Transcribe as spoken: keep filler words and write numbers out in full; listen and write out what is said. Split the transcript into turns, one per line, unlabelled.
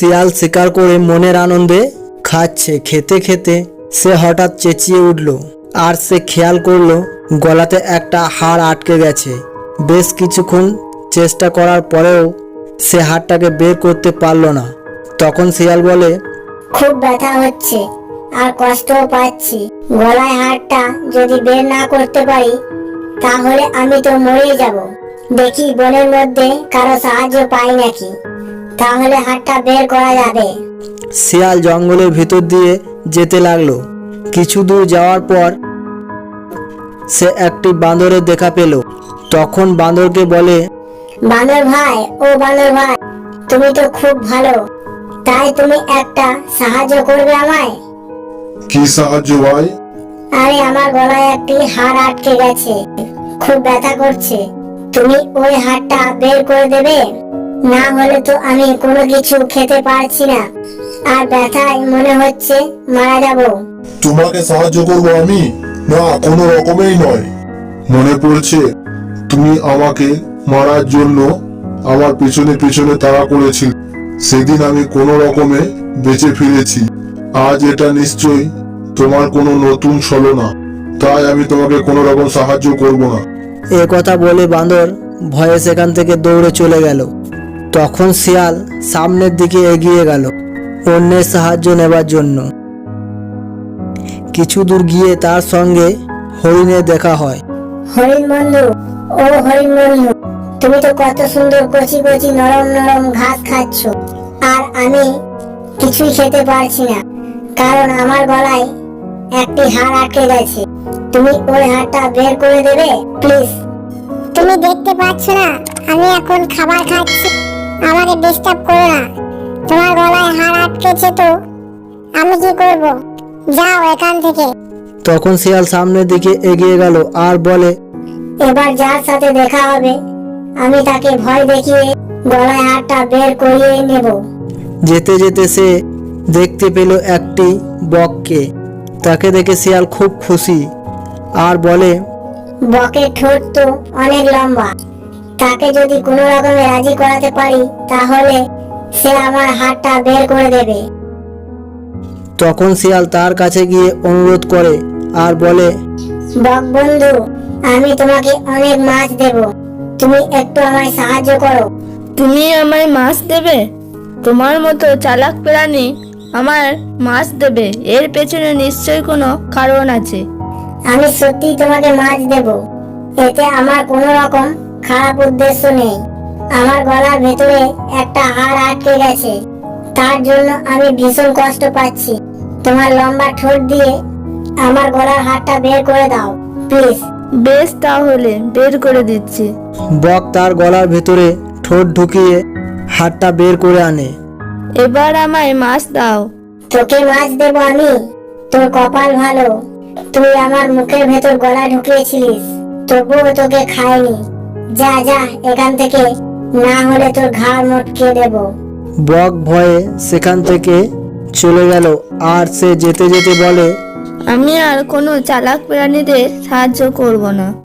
শিয়াল শিকার করে মনের আনন্দে খাচ্ছে। খেতে খেতে সে হঠাৎ চেঁচিয়ে উঠল, আর সে খেয়াল করলো গলাতে একটা হাড় আটকে গেছে। বেশ কিছুক্ষণ চেষ্টা করার পরেও সে হাড়টাকে বের করতে পারল না। তখন শিয়াল বলে,
খুব ব্যথা হচ্ছে আর কষ্টও পাচ্ছি। গলায় হাড়টা যদি বের না করতে পারি তাহলে আমি তো মরে যাব। দেখি বনের মধ্যে কারো সাহায্য পাই নাকি, তাহলে হাড়টা বের করা যাবে।
শিয়াল জঙ্গলের ভিতর দিয়ে যেতে লাগলো। কিছু দূর যাওয়ার পর সে একটি বাঁদরের দেখা পেল। তখন বাঁদরকে বলে,
বানর ভাই, ও বানর ভাই, তুমি তো খুব ভালো, তাই তুমি একটা সাহায্য করবে আমায়?
কি সাহায্য ভাই?
আরে আমার গলায় একটি হাড় আটকে গেছে, খুব ব্যথা করছে। তুমি ওই হাড়টা বের করে দেবে? না হলে তো আমি কোনো কিছু খেতে পারছি না, আর ব্যথায় মনে হচ্ছে মারা যাব।
তোমাকে সাহায্য করব আমি? না, কোনো রকমেই নয়। মনে পড়ছে তুমি আমাকে মারার জন্য আমার পিছনে পিছনে তাড়া করেছিল। সেদিন আমি কোনো রকমে বেঁচে ফিরেছি। আজ এটা নিশ্চয়ই তোমার কোনো নতুন ছলনা, তাই আমি তোমাকে কোনো রকম সাহায্য করব না।
এ কথা বলে বাঁদর ভয়ে সেখান থেকে দৌড়ে চলে গেল। তখন শিয়াল সামনের দিকে এগিয়ে গেল অন্যের সাহায্য নেবার জন্য। কিছু দূর গিয়ে তার সঙ্গে হরিণের দেখা হয়।
হরিণ বন্ধু, ও হরিণ বন্ধু, তুমি তো কত সুন্দর কচি কচি নরম নরম ঘাস খাচ্ছ, আর আমি কিছুই খেতে পারছি না, কারণ আমার গলায় একটি হাড় আটকে গেছে। তুমি ওই হাড়টা বের করে দেবে প্লিজ?
তুমি দেখতে পাচ্ছ না আমি এখন খাবার খাচ্ছি? আমাকে ডিস্টার্ব করো না। তোমার গলায় হাড় আটকেছে তো আমি কি করব? যাও এখান থেকে।
তখন শিয়াল সামনের দিকে এগিয়ে গেল আর বলে,
এবার যার সাথে দেখা হবে আমি তাকে ভয় দেখিয়ে গলায় হাড়টা বের করিয়ে নেব।
যেতে যেতে সে দেখতে পেল একটি বককে। তাকে দেখে শিয়াল খুব খুশি আর বলে,
বকের ঠোঁট তো অনেক লম্বা, তাকে যদি কোনো রকমে রাজি করাতে পারি তাহলে সে আমার হাতটা বের করে দেবে।
তখন শিয়াল তার কাছে গিয়ে অনুরোধ করে আর বলে,
বক বন্ধু, আমি তোমাকে অনেক মাছ দেব, তুমি একটু আমায় সাহায্য করো।
তুমি আমায় মাছ দেবে? তোমার মতো চালাক প্রাণী আমার মাছ দেবে? এর পেছনে নিশ্চয়ই কোনো কারণ আছে।
আমি সত্যি তোমাকে মাছ দেব, এতে আমার কোনো রকম খারাপ উদ্দেশ্য নেই। আমার গলার ভেতরে একটা হাড় আটকে গেছে, তার জন্য আমি ভীষণ কষ্ট পাচ্ছি। তোমার লম্বা ঠোঁট দিয়ে আমার গলার হাড়টা বের করে দাও প্লিজ।
বেশ, তাহলে বের করে দিচ্ছি।
বক তার গলার ভেতরে ঠোঁট ঢুকিয়ে হাড়টা বের করে আনে।
এবার আমায় মাছ দাও।
তোকে মাছ দেব আমি? তোর কপাল ভালো, তুই আমার মুখের ভেতর গলা ঢুকিয়েছিলিস, তবুও তোকে খাইনি। যা যা এখান থেকে, না হলে তোর ঘাড় মটকে দেব।
বক ভয়ে সেখান থেকে চলে গেল আর সে যেতে যেতে বলে,
আমি আর কোনো চালাক প্রাণীদের সাহায্য করব না।